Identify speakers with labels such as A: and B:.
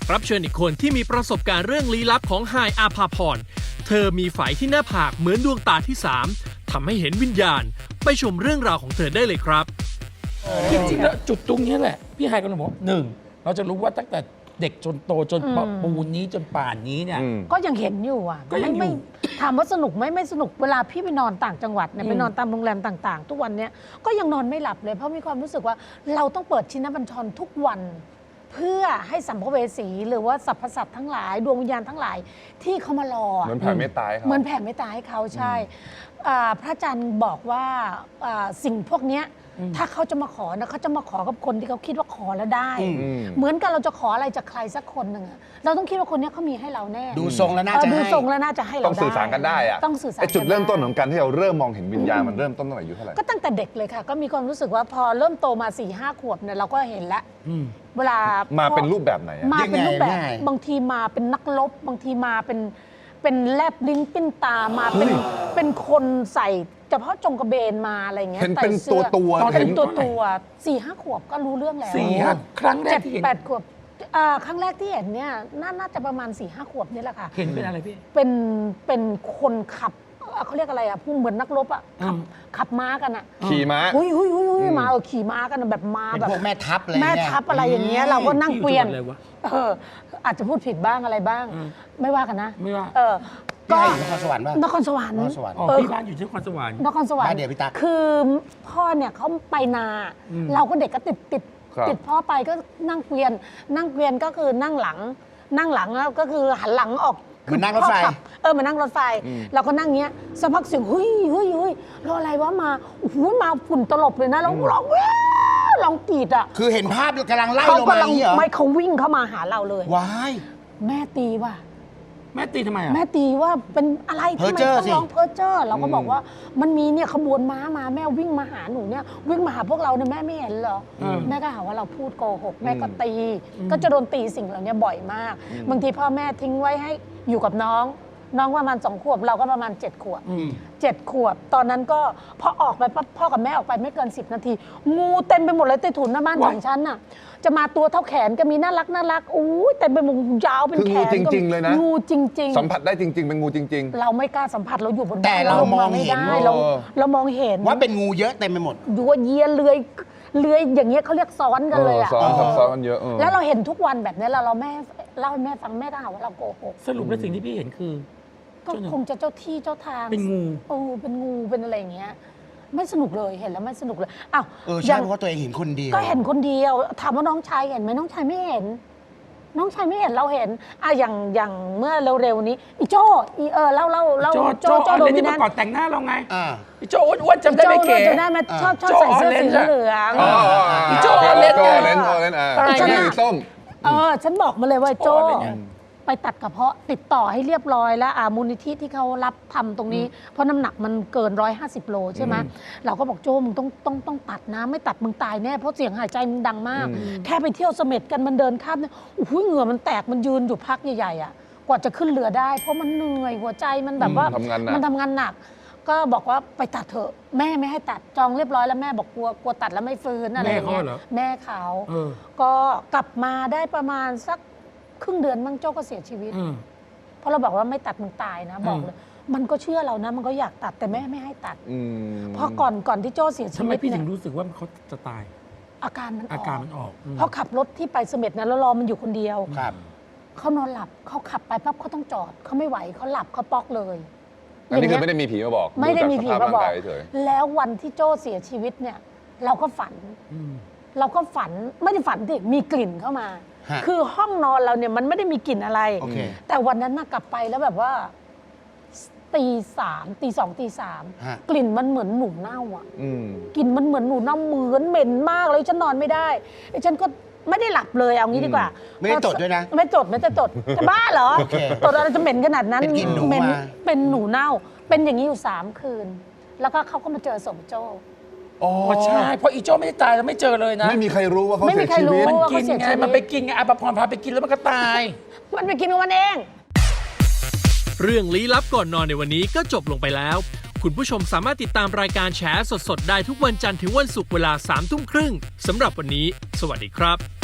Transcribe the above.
A: รับเชิญอีกคนที่มีประสบการณ์เรื่องลี้ลับของไฮายอาภาพรเธอมีไฝที่หน้าผากเหมือนดวงตาที่3ทำให้เห็นวิญญาณไปชมเรื่องราวของเธอได้เลยครับ
B: จริงๆแล้วจุดตรงนี้แหละพี่ไฮก็เลยบอกหนึ่งเราจะรู้ว่าตั้งแต่เด็กจนโตจนปูนนี้จนป่านนี้เนี่ย
C: ก็ยังเห็นอยู่อ่ะ
B: ก็ยังอยู่
C: ไม่ถามว่าสนุกไหมไม่สนุกเวลาพี่ไปนอนต่างจังหวัดเนี่ยไปนอนตามโรงแรมต่างๆ ทุกวันเนี้ยก็ยังนอนไม่หลับเลยเพราะมีความรู้สึกว่าเราต้องเปิดชินบัญชรทุกวัน เพื่อให้สัมภเวสีหรือว่าสรรพสัตว์ทั้งหลายดวงวิญญาณทั้งหลายที่เขามารอ
D: เหมือนแผ่เมตตาให้เขา
C: เหมือนแผ่เมตตาให้เขาใช่พระอาจารย์บอกว่าสิ่งพวกเนี้ยถ้าเขาจะมาขอนะเขาจะมาขอกับคนที่เขาคิดว่าขอแล้วได้ เหมือนกันเราจะขออะไรจากใครสักคนหนึ่งอะเราต้องคิดว่าคนนี้เขามีให้เราแน่
E: ดูทรงแล้วน่าจะ
C: ดู
E: ให้
C: ทรงแล้วน่าจะให้เรา
D: ต้องสื่อสารกันได้อะ
C: ต้องสื่อสาร
D: ไอจุดเริ่มต้น
C: กั
D: ของการที่เราเริ่มมองเห็นวิญญาณมันเริ่มต้นตั้งแต่อายุเท่าไหร่
C: ก็ตั้งแต่เด็กเลยค่ะ ก็มีความรู้สึกว่าพอเริ่มโตมา4-5 ขวบเนี่ยเราก็เห็นแล้วเวลา
D: มา
C: มา
D: เป็นรูปแบบไหนอะ
C: มาเป็นรูปแบบ
E: ยังไง
C: บางทีมาเป็นนักรบบางทีมาเป็นแลบลิ้นปิ้นตามาเป็นคนใส่เฉพาะจงกระเบนมาอะไรเงี้ย
D: เห็น
C: ใส่
D: เป็น
C: สื้อ
D: ตัว
C: เป็น
D: เห็น
C: ตัว4-5 ขวบก็รู้เรื่องแล้ว
B: 4-5 ครั้งแรกที่เห็น
C: 7-8 ขวบครั้งแรกที่เห็นเนี่ยน่าจะประมาณ4-5 ขวบนี่แหละค่ะ
B: เห็นเป็นอะไรพี่
C: เป็นคนขับเขาเรียกอะไรอ่ะผู้เหมือนนักรบอ่ะขับม้ากันอ่ะ
D: ขี่ม้า
C: หุยมาขี่ม้ากันอะแบบม้า
E: เป็น
C: แบบ
E: พวกแม่ทัพอะไร
C: แม่
E: เงี้ย
C: ทัพอะไรอย่างเงี้ยเราก็นั่งเกวียน
B: พี่อยู่จังหวัดอะไรวะ
C: อาจจะพูดผิดบ้างอะไรบ้าง ไม่ว่ากันนะ
B: ไม่ว่า
C: ก็
E: พี่ไฮอยู่นครสวรรค์ป่ะ
C: นครสวรรค์
E: นครสวรรค์
B: อ๋อพี่บ้านอยู่ที่นครสวรรค์
C: นครสวรร
E: บ้าน
C: ค์
E: เดียวพี่ตั๊ก
C: คือพ่อเนี่ยเขาไปนา เราก็เด็กก็ติดพ่อไปก็นั่งเกวียนก็คือนั่งหลังแล้วก็คือหันหลังออก
E: เหมือนนั่งรถไฟ
C: พ่อขับเหมือนนั่งรถไฟเราก็นั่งเงี้ยสักพักเสียงเฮ้ยรออะไรวะมาโอ้โหมาฝุ่นตลบเลยนะแล้วร้องแว้วร้องกรีดอ่ะ
E: คือเห็นภาพกำลังไล่
C: เขา
E: ลงมาอ
C: กำลัง
E: ย่างนี้เหรอ
C: ไม่เขาวิ่งเข้ามาหาเราเลย
E: ว้าย
C: แม่ตีว่ะ
B: แม่ตีทำไมอ่ะ
C: แม่ตีว่าเป็นอะไร
E: เพ้
C: ทำ
E: อ
C: ไม
E: เจ้อ
C: ต้อง
E: สิ
C: ร้องเพ้อเจ้อเราก็บอกว่ามันมีเนี่ยขบวนม้ามาแม่วิ่งมาหาหนูเนี่ยวิ่งมาหาพวกเราเนี่ยแม่ไม่เห็นเหรอแม่ก็หาว่าเราพูดโกหกแม่ก็ตี ก็จะโดนตีสิ่งเหล่านี้บ่อยมาก บางทีพ่อแม่ทิ้งไว้ให้อยู่กับน้องประมาณ2 ขวบเราก็ประมาณ7 ขวบ7 ขวบ ตอนนั้นก็พอออกไปปั๊บพ่อกับแม่ออกไปไม่เกิน10 นาทีงูเต็มไปหมดเลยใต้ถุนหน้าบ้านของฉันน่ะจะมาตัวเท่าแขนก็มีน่ารักอู้ยเต็มไปหมดยาวเป็น
D: คือ
C: แข
D: งู
C: น
D: จริงๆเลยนะ
C: งูจริง
D: สัมผัสได้จริง ๆ เป็นงูจริง
C: เราไม่กล้าสัมผัสเราอยู่บนบ้น
E: แต่เรามองเห็น
C: ไม่ได้เรามองเห็น
E: ว่าเป็นงูเยอะเต็มไปหมด
C: ยัวเยียเลื้อยอย่างเงี้ยเขาเรียกซ้อนกันเลยอะ
D: ซ้อนซับซ้อนกันเยอะ
C: แล้วเราเห็นทุกวันแบบนี้เราแม่เล่าให้แม่ฟังแม่ก็หาว่าเราโกหก
B: สรุปแล้วสิ่งที่พี่เห็นคือ
C: ก็คงจะเจ้าที่เจ้าทาง
B: เป็นงู
C: เป็นงูเป็นอะไรอย่างเงี้ยไม่สนุกเลยเห็นแล้วไม่สนุกเลยอ้าว
E: ใช่เพราะว่าตัวเองเห็นคนเดียว
C: ก็เห็นคนเดียวถามว่าน้องชายเห็นไหมน้องชายไม่เห็น น้องชายไม่เห็นเราเห็นอย่างเมื่อเร็วๆนี้อีโจ้เล่า
B: โจออนเลนที่มาก่อนแต่งหน้าเราไง
E: อ่า
B: พี่โจอ้วนๆจำได้ไหมเก๋
C: จำได้ไหมชอบใส่เสื้อสีเหลือง
D: ๆ
B: โจ้เล่น
D: โจ้เล่นสีส้ม
C: ฉันบอกมาเลยว่าโจ้
B: โจ้เลยไง
C: ไปตัดกระเพาะติดต่อให้เรียบร้อยแล้วมูลนิธิที่เขารับทำตรงนี้ เพราะน้ำหนักมันเกิน150 โลใช่ไหมเราก็บอกโจ้มึงต้องตัดนะไม่ตัดมึงตายแน่เพราะเสียงหายใจมึงดังมาก แค่ไปเที่ยวเสม็ดกันมันเดินข้ามเนี่ยโอ้โหเหงื่อมันแตกมันยืนอยู่พักใหญ่ๆอ่ะกว่าจะขึ้นเรือได้ เพราะมันเหนื่อยหัวใจมันแบบว่า
D: ทำงานหนัก
C: มันทำงานหนัก ก็บอกว่าไปตัดเถอะแม่ไม่ให้ตัดจองเรียบร้อยแล้วแม่บอกกลัวตัดแล้วไม่ฟื้นอะไรอย่างเงี้ยแม่เขา ก็กลับมาได้ประมาณสักครึ่งเดือนมั้งโจ้ก็เสียชีวิตเพราะเราบอกว่าไม่ตัดมึงตายนะบอกเลยมันก็เชื่อเรานะมันก็อยากตัดแต่แม่ไม่ให้ตัดเพราะก่อนที่โจ้เสียชี
B: ทำไม
C: วิต
B: พี่ถึ
C: เนี่ย
B: งรู้สึกว่าเขาจะตาย
C: อาการมันอ
B: อาการมันออก
C: เพราะขับรถที่ไปเสม็ดนะแล้วรอมันอยู่คนเดียว
E: ครับ
C: เขานอนหลับเขาขับไปปั๊บเขาต้องจอดเขาไม่ไหวเขาหลับเขาป๊อกเลย
D: อันนี้คือไม่ได้มีผีมาบอก
C: ไม่ได้มีผีมาบอก
D: ดูจสภพร่งยเฉย
C: แล้ววันที่โจ้เสียชีวิตเนี่ยเราก็ฝันไม่ได้ฝันดิมีกลิ่นเข้ามา
E: ฮะ
C: คือห้องนอนเราเนี่ยมันไม่ได้มีกลิ่นอะไร
E: โอเค
C: แต่วันนั้นน่ะกลับไปแล้วแบบว่าตี 2 ตี 3
E: ฮะ
C: กลิ่นมันเหมือนหนูเน่าอ่ะ
D: ๆ
C: กลิ่นมันเหมือนหนูเน่าเหมือนเหม็นมากเลยฉันนอนไม่ได้ไอ้ฉันก็ไม่ได้หลับเลยเอางี้ดีกว่า
E: ไม่ได้จดด้วยนะ
C: ไม่จดจะบ้าเหรอ
E: โอเค
C: จดอะไรจะเหม็นขนาดนั้น
E: เป็นกลิ่นหนู
C: เหม็น
E: มา
C: เป็นหนูเน่า เป็นอย่างนี้อยู่3 คืน แล้วก็เขาก็มาเจอศพโจ้
B: อ๋อใช่เพราะอีโจ้ไม่ได้ตายแล้วไม่เจอเลยนะ
D: ไม่มีใครรู้ว่าเขา
C: ไม่
D: เสี
C: มี
D: ย
C: ใคร
D: ชี
C: รู้
D: วิต
B: มัน
C: ว่า
B: กิ
C: เขา
B: น
C: เสีย
B: ไง
C: ชีวิต
B: มันไปกินไงอาภพรพาไปกินแล้วมันก็ตาย
C: มันไปกินของมันเอง
A: เรื่องลี้ลับก่อนนอนในวันนี้ก็จบลงไปแล้ว คุณผู้ชมสามารถติดตามรายการแฉสดๆได้ทุกวันจันทร์ถึงวันศุกร์เวลา 21:30 น.สำหรับวันนี้ สวัสดีครับ